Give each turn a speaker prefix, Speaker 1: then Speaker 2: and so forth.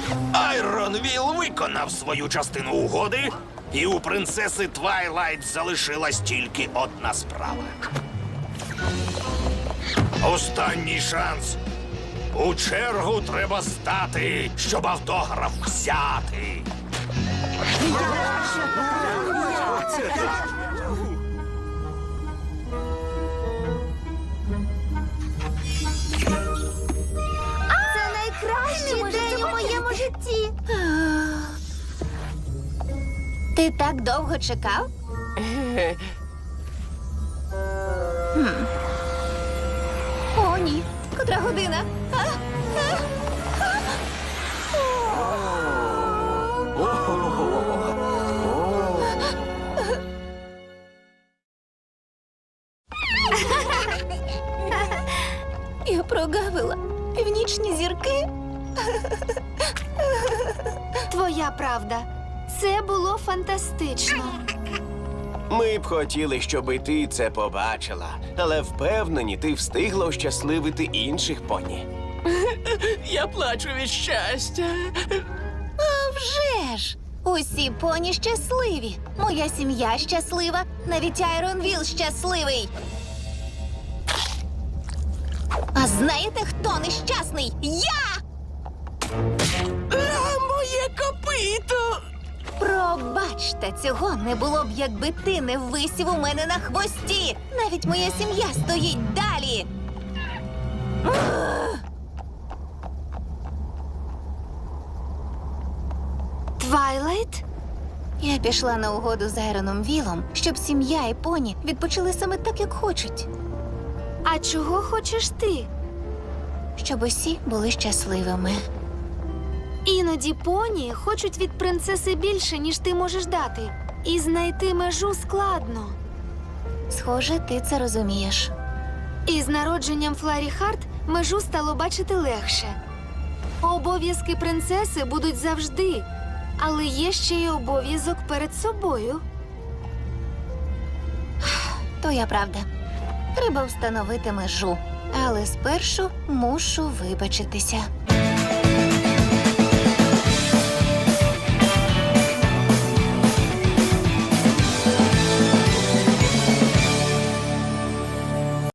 Speaker 1: Айронвіл виконав свою частину угоди, і у принцеси Твайлайт залишилась тільки одна справа. Останній шанс. У чергу треба стати, щоб автограф взяти.
Speaker 2: Це найкращий день у моєму житті.
Speaker 3: Ти так довго чекав? О, ні. Котра година? Я прогавила північні зірки.
Speaker 2: Твоя правда. Це було фантастично.
Speaker 4: Ми б хотіли, щоб і ти це побачила, але впевнені, ти встигла ощасливити інших поні.
Speaker 5: Я плачу від щастя.
Speaker 3: А вже ж! Усі поні щасливі. Моя сім'я щаслива, навіть Айронвіл щасливий. А знаєте, хто нещасний? Я!
Speaker 5: Моє копито!
Speaker 3: Пробачте, цього не було б, якби ти не висів у мене на хвості. Навіть моя сім'я стоїть далі.
Speaker 2: Твайлайт?
Speaker 3: Я пішла на угоду з Айроном Вілом, щоб сім'я і поні відпочили саме так, як хочуть.
Speaker 2: А чого хочеш ти?
Speaker 3: Щоб усі були щасливими.
Speaker 2: Іноді поні хочуть від принцеси більше, ніж ти можеш дати. І знайти межу складно.
Speaker 3: Схоже, ти це розумієш.
Speaker 2: І з народженням Фларі Харт межу стало бачити легше. Обов'язки принцеси будуть завжди, але є ще й обов'язок перед собою.
Speaker 3: Твоя правда. Треба встановити межу. Але спершу мушу вибачитися.